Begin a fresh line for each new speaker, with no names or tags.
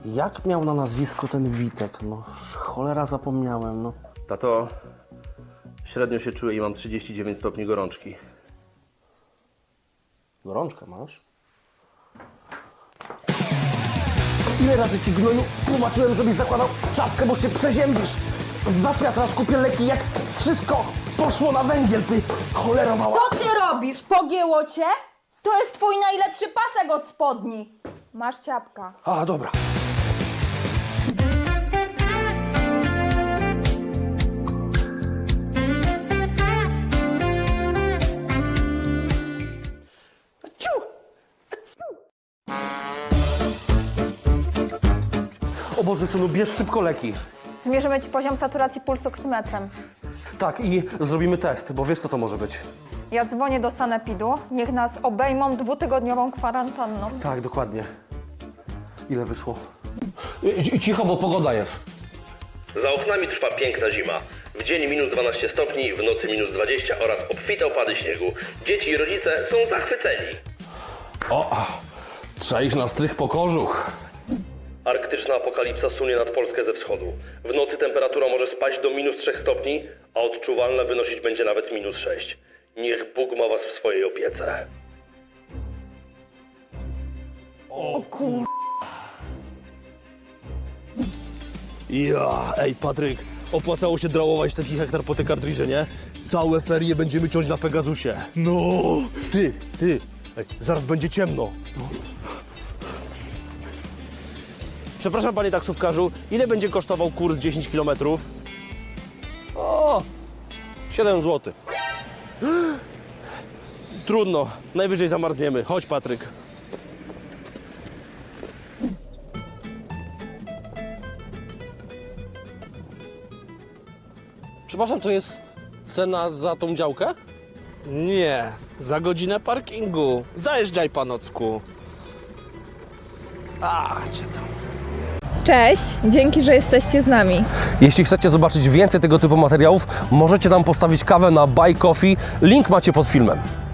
Jak miał na nazwisko ten Witek? No, cholera zapomniałem, no.
Tato, średnio się czuję i mam 39 stopni gorączki.
Gorączkę masz? Ile razy ci, gnoju, tłumaczyłem, żebyś zakładał czapkę, bo się przeziębisz. Za co ja teraz kupię leki, jak wszystko poszło na węgiel, ty cholera mała.
Co ty robisz? Pogięło cię? To jest twój najlepszy pasek od spodni. Masz ciapka.
A, dobra. O Boże, synu, bierz szybko leki.
Zmierzymy ci poziom saturacji pulsu oksymetrem.
Tak, i zrobimy test, bo wiesz, co to może być.
Ja dzwonię do sanepidu. Niech nas obejmą 2-tygodniową kwarantanną.
Tak, dokładnie. Ile wyszło? Cicho, bo pogoda jest.
Za oknami trwa piękna zima. W dzień minus 12 stopni, w nocy minus 20 oraz obfite opady śniegu. Dzieci i rodzice są zachwyceni.
O, trzeba iść na strych po kożuch.
Arktyczna apokalipsa sunie nad Polskę ze wschodu. W nocy temperatura może spaść do minus 3 stopni, a odczuwalna wynosić będzie nawet minus 6. Niech Bóg ma was w swojej opiece.
Ja, ej Patryk, opłacało się drałować taki hektar po te kartridże, nie? Całe ferie będziemy ciąć na Pegasusie. No! Ty, ej, zaraz będzie ciemno. No. Przepraszam panie taksówkarzu, ile będzie kosztował kurs 10 km? O, 7 zł. Trudno, najwyżej zamarzniemy. Chodź Patryk.
Przepraszam, to jest cena za tą działkę?
Nie, za godzinę parkingu. Zajeżdżaj, panocku. A, gdzie tam?
Cześć, dzięki, że jesteście z nami.
Jeśli chcecie zobaczyć więcej tego typu materiałów, możecie tam postawić kawę na Buy Coffee. Link macie pod filmem.